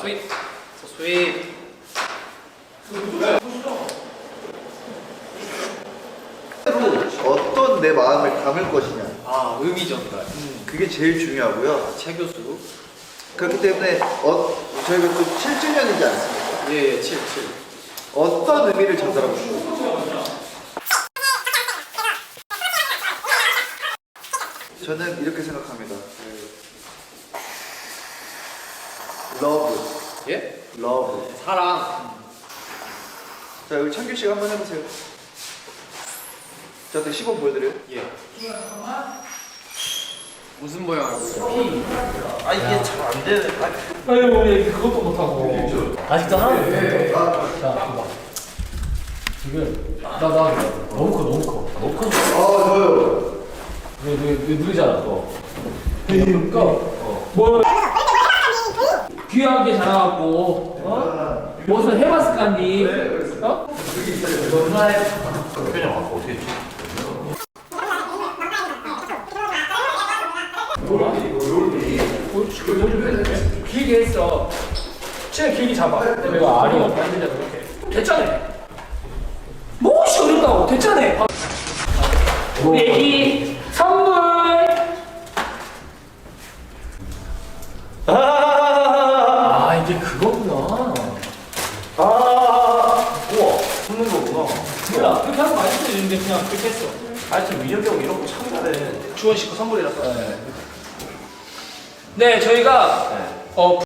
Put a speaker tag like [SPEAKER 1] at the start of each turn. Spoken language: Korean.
[SPEAKER 1] 스윗. 스윗.
[SPEAKER 2] 어떤 내 마음을 담을 것이냐.
[SPEAKER 1] 아, 의미 전달.
[SPEAKER 2] 그게 제일 중요하고요.
[SPEAKER 1] 최 교수.
[SPEAKER 2] 그렇기 때문에 저희가 또 7주년이지 않습니까?
[SPEAKER 1] 예, 7.
[SPEAKER 2] 어떤 의미를 전달하고 싶어요? 저는 이렇게 생각합니다. 러브.
[SPEAKER 1] 예?
[SPEAKER 2] 러브.
[SPEAKER 1] 사랑.
[SPEAKER 2] 자, 여기 창규 씨가 한번 해보세요. 저한테 시범 보여드려요?
[SPEAKER 1] 예. 무슨 모양 알고 있어요?
[SPEAKER 2] 아, 이게 잘 안 되네.
[SPEAKER 3] 아니 우리 그것도 못하고 아직도 하나도 못해. 자 봐봐 지금 나 너무 커
[SPEAKER 2] 저요.
[SPEAKER 3] 왜 느리잖아 또 그러니까 뭐 귀하게 자라갖고 무슨 해봤을 까니 어? 길게 했어. 최 길게 잡아. 내가 알이 만들자 그렇게. 됐잖아. 무엇이 어렵다고? 됐잖아. 우리 애기 선물. 아 이제 그거구나.
[SPEAKER 4] 우와, 숨는 거구나.
[SPEAKER 3] 몰라 그렇게 하면 맛있어 이런데 그냥 그렇게 했어.
[SPEAKER 4] 하여튼 민혁이 형 이런 거 참 잘해.
[SPEAKER 1] 주원 씨거 선물이라서.
[SPEAKER 3] 네 저희가